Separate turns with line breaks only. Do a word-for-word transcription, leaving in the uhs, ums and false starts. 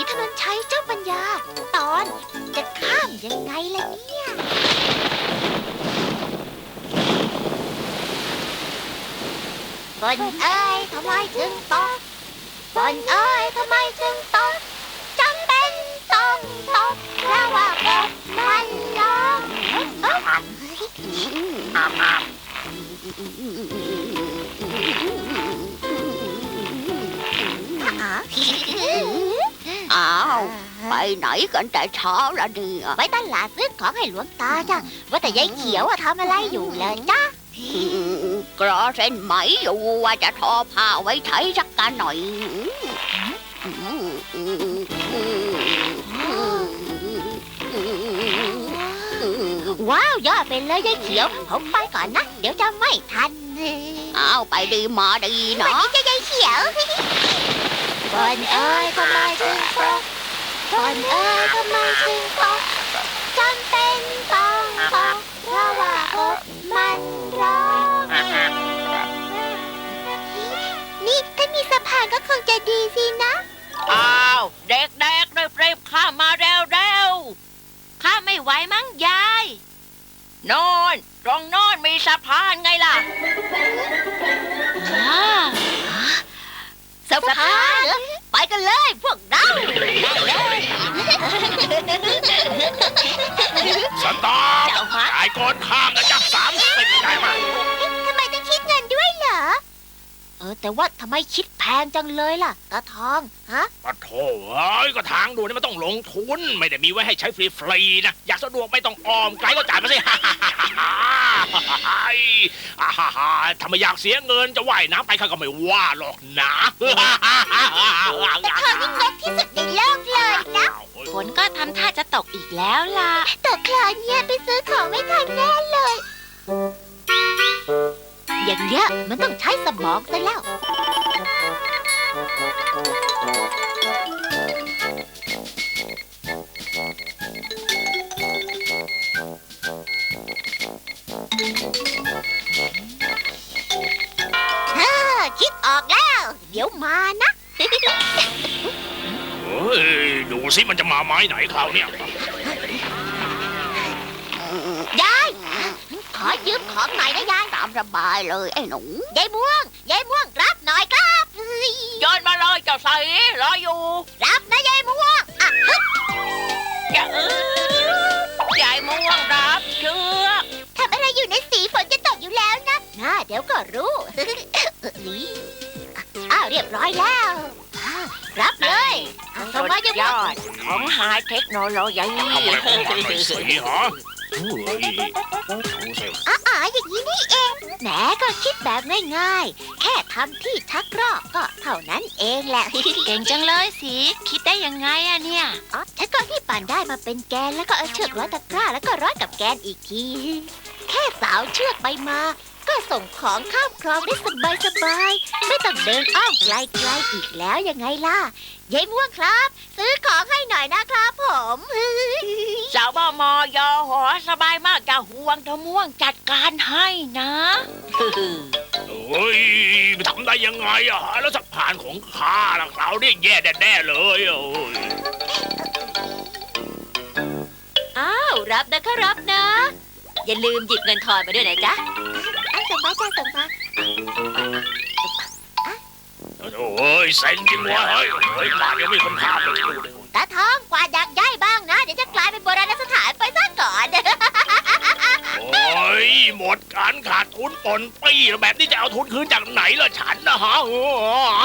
ถนนชัยเจ้าปัญญาตอนจะข้ามยังไงล่ะเนี่ยฝนเอ้ยทำไมถึงตกฝนเอ้ยทำไมถึงตกจำเป็นต้องตกเพราะว่าฝนมันร้องเอ้ย
อ้าวไปไหนกันแต่เช้าละเนี่ย
ไปตลาดซื้อของให้หลวงตาจ้ะว่าแต่ยายเขียวอะทำอะไรอยู่เลยจ้ะ
กรอเส้นไหมอยู่ว่าจะทอผ้าไว้ใช้สักกันหน่อย
ว้าวยอดไปเลยยายเขียวผมไปก่อนนะเดี๋ยวจะไม่ทัน
อ้าวไปดีมาดี
วัน
เนาะ
นี้จะยายเขียวฝนเอ้ยทำไมถึงตกฝนเอ้ยทำไมถึงตกจำเป็นต้องตกเพราะว่าฝนมันร้องนี่ถ้ามีสะพานก็คงจะดีสินะ
อ้าวเด็กๆได้เปรีบข้ามาเร็วๆข้าไม่ไหวมั้งยายโนอนตรงโนอนมีสะพานไงล่ะสะพานไปกันเลยพวกเรา
สต๊อปจ่ายก่อนข้ามนะจ๊ะสามสิบจ่ายมา
ทำไมต้องคิดเงินด้วยเหรอเออแต่ว่าทำไมคิดแพงจังเลยล่ะตาทองฮะ
ปะโถเอ้ยก็ทางด่วนนี่มันต้องลงทุนไม่ได้มีไว้ให้ใช้ฟรีๆนะอยากสะดวกไม่ต้องอ้อมไกลก็จ่ายมาสิถ้าไม่อยากเสียเงินจะว่ายน้ำไปข้าก็ไม่ว่าหรอกนะ
ตาทองนี่งกที่สุดในโลกเลยนะ
ฝนก็ทำท่าจะตกอีกแล้วล่ะ
ตกคลาเนี่ยไปซื้อของไม่ทันแน่เลย อย่างเงี้ยมันต้องใช้สมองซะแล้วฮ่าคิดออกแล้ว เดี๋ยวมานะ
เฮ้ยดูสิมันจะมาไม้ไหนคราวเนี้ย
ยาย ขอยืมของหน่อยนะยาย
ตามสบายเลยไอ้หนู
ยายม่วง ยายม่วงรับหน่อยครับเฮ้ย
โยนมาเลยเจ้าใสรออยู่
รับนะยายม่วงอ่ะฮึบ
อย่าเออยายม่วงรับเชือก
ทำอะไรอยู่ในสีฝนจะตกอยู่แล้วนะน่าเดี๋ยวก็รู้ นี่อ้าวเรียบร้อยแล้วอ่ารับเลยเอาส่งมา
ย
ยายม่วง
อดของไฮเทคโนโลยี
ทำอะไรของมันหน่อยสิฮะเฮ้ยดูสิ
อ๋ออย่างนี้นี่เองแหมก็คิดแบบง่ายๆ แค่ทำที่ชักรอกก็เท่านั้นเองแหละ
เก่งจังเลยสิคิดได้ยังไงอะเนี่ย
อ๋อฉันก็ที่ปั่นได้มาเป็นแกนแล้วก็เอาเชือกร้อยตะกร้าแล้วก็ร้อยกับแกนอีกที แค่สาวเชือกไปมา ก็ส่งของข้ามคลองได้สบายสบายๆไม่ต้องเดินอ้อมไกลๆอีกแล้วยังไงล่ะยายม่วงครับ ซื้อของให้หน่อยนะครับผม
สาวบมยอหอสบายมากจะห่วงเธอม่วงจัดการให้นะ
เฮ้ยทำได้ยังไงอะแล้วสะพานของข้าล่ะคราวนี้แย่แน่ๆเลยโอ้ย
อ้าวรับนะคะรับนะ อย่าลืมหยิบเงินทอนมาด้วยนะจ๊ะ
อ่ะส่งมาจ้าส่งมา
โอ้ยเซ็งจริงวะเฮ้ยเฮ้ยบ้านยังไม่คนข้ามเลย
ตาทองกวาดอยากย้ายบ้างนะ เดี๋ยวจะกลายเป็นโบราณสถานไปซะก่อน
โอ้ยหมดการขาดทุนปนปี้แบบนี้จะเอาทุนคืนจากไหนล่ะฉันนะฮะ